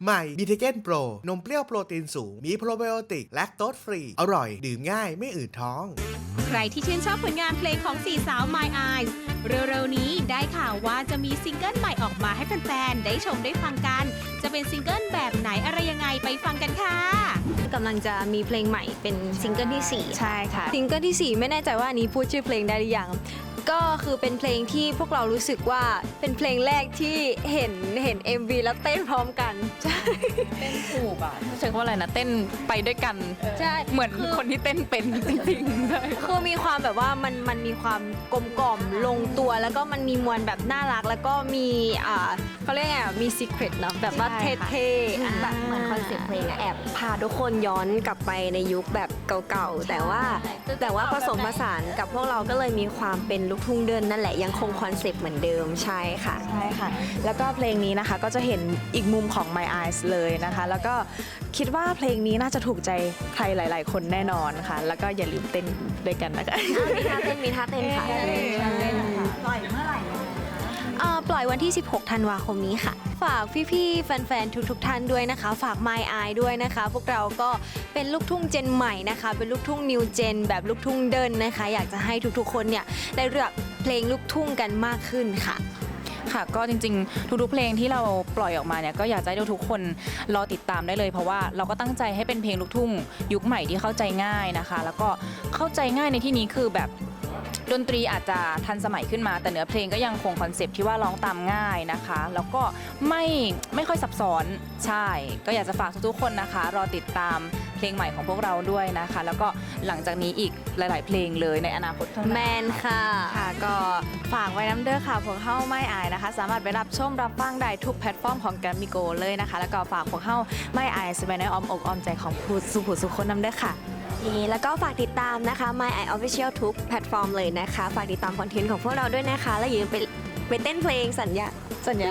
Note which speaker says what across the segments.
Speaker 1: ใหม่บีเทเกนโปรนมเปรี้ยวโปรตีนสูงมีโปรไบโอติกแลคโตสฟรีอร่อยดื่มง่ายไม่อืดท้อง
Speaker 2: ใครที่ชื่นชอบผลงานเพลงของสี่สาว My Eyes เร็วๆนี้ได้ข่าวว่าจะมีซิงเกิลใหม่ออกมาให้แฟนๆได้ชมได้ฟังกันจะเป็นซิงเกิลแบบไหนอะไรยังไงไปฟังกันค่ะ
Speaker 3: กำลังจะมีเพลงใหม่เป็นซิงเกิลที่ 4
Speaker 4: ใช่ค่ะ
Speaker 3: ซิงเกิลที่ 4 ไม่แน่ใจว่าอันนี้พูดชื่อเพลงได้หรือยังก็คือเป็นเพลงที่พวกเรารู้สึกว่าเป็นเพลงแรกที่เห็น MV แล้วเต้นพร้อมกันใช่
Speaker 4: เต้นถูกอ่ะใช้คำว่าอะไรนะเต้นไปด้วยกัน
Speaker 3: ใช่
Speaker 4: เหมือนคนที่เต้นเป็นจริงๆเลย
Speaker 3: คือมีความแบบว่ามันมีความกลมกล่อมลงตัวแล้วก็มันมีมวลแบบน่ารักแล้วก็มีเขาเรียกไงมีซีเครตเนาะแบบว่าเท่ๆแบบเหมือนคอนเซ็ปต์เพลงแอบพาทุกคนย้อนกลับไปในยุคแบบเก่าๆแต่ว่าผสมผสานกับพวกเราก็เลยมีความเป็นลูกทุ่งเดินนั่นแหละยังคงคอนเซ็ปต์เหมือนเดิมใช่ค่ะ
Speaker 4: ใช่ค่ะแล้วก็เพลงนี้นะคะก็จะเห็นอีกมุมของ My Eyes เลยนะคะแล้วก็คิดว่าเพลงนี้น่าจะถูกใจใครหลายๆคนแน่นอนค่ะแล้วก็อย่าลืมเต้นด้วยกันนะคะ
Speaker 3: มีท่าเต้นค่ะปล่อยเมื่อไหร่ปล่อยวันที่16ธันวาคมนี้ค่ะฝากพี่ๆแฟนๆทุกท่านด้วยนะคะฝาก My Eye ด้วยนะคะพวกเราก็เป็นลูกทุ่งเจนใหม่นะคะเป็นลูกทุ่งนิวเจนแบบลูกทุ่งเดินนะคะอยากจะให้ทุกๆคนเนี่ยได้เลือกเพลงลูกทุ่งกันมากขึ้นค่ะ
Speaker 4: ค่ะก็จริงๆทุกๆเพลงที่เราปล่อยออกมาเนี่ยก็อยากให้ทุกคนรอติดตามได้เลยเพราะว่าเราก็ตั้งใจให้เป็นเพลงลูกทุ่งยุคใหม่ที่เข้าใจง่ายนะคะแล้วก็เข้าใจง่ายในที่นี้คือแบบดนตรีอาจจะทันสมัยขึ้นมาแต่เนื้อเพลงก็ยังคงคอนเซปต์ที่ว่าร้องตามง่ายนะคะแล้วก็ไม่ค่อยซับซ้อนใช่ก็อยากจะฝากทุกๆคนนะคะรอติดตามเพลงใหม่ของพวกเราด้วยนะคะแล้วก็หลังจากนี้อีกหลายๆเพลงเลยในอนาคตข้างหน้า
Speaker 3: แมนค่ะ
Speaker 4: ก็ฝากไว้น้ำเด้อค่ะพวกเฮ้าไม่อายนะคะสามารถไปรับชมรับฟังได้ทุกแพลตฟอร์มของแกรมมี่โกเลยนะคะแล้วก็ฝากพวกเฮ้าไม่อายสบายในอ้อมอกอ้อมใจของผู้สุขคนน้ำเด้อค่ะ
Speaker 3: แล้วก็ฝากติดตามนะคะ My Eye Official ทุกแพลตฟอร์มเลยนะคะฝากติดตามคอนเทนต์ของพวกเราด้วยนะคะแล้วอย่าลืมไปเต้นเพลงสัญญาสัญญา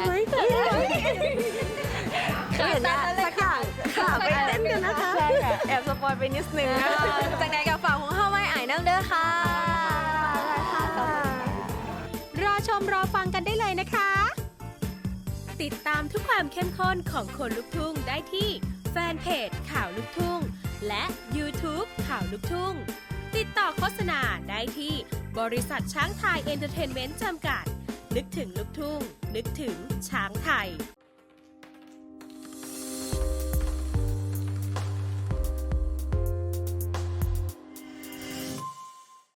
Speaker 3: สักอย่างค่ะไปเต้นกันนะคะ
Speaker 4: ใช่ค่ะแอบสปอยไปนิดนึง
Speaker 3: จากไหนกับฝากของเฮ้าไม่อายน้ำเด้อค่ะ
Speaker 2: รอชมรอฟังกันได้เลยนะคะติดตามทุกความเข้มข้นของคนลุกทุ่งได้ที่แฟนเพจข่าวลุกทุ่งและ YouTube ข่าวลุกทุ่งติดต่อโฆษณาได้ที่บริษัทช้างไทยเอนเตอร์เทนเมนต์จำกัดนึกถึงลุกทุ่งนึกถึงช้างไทย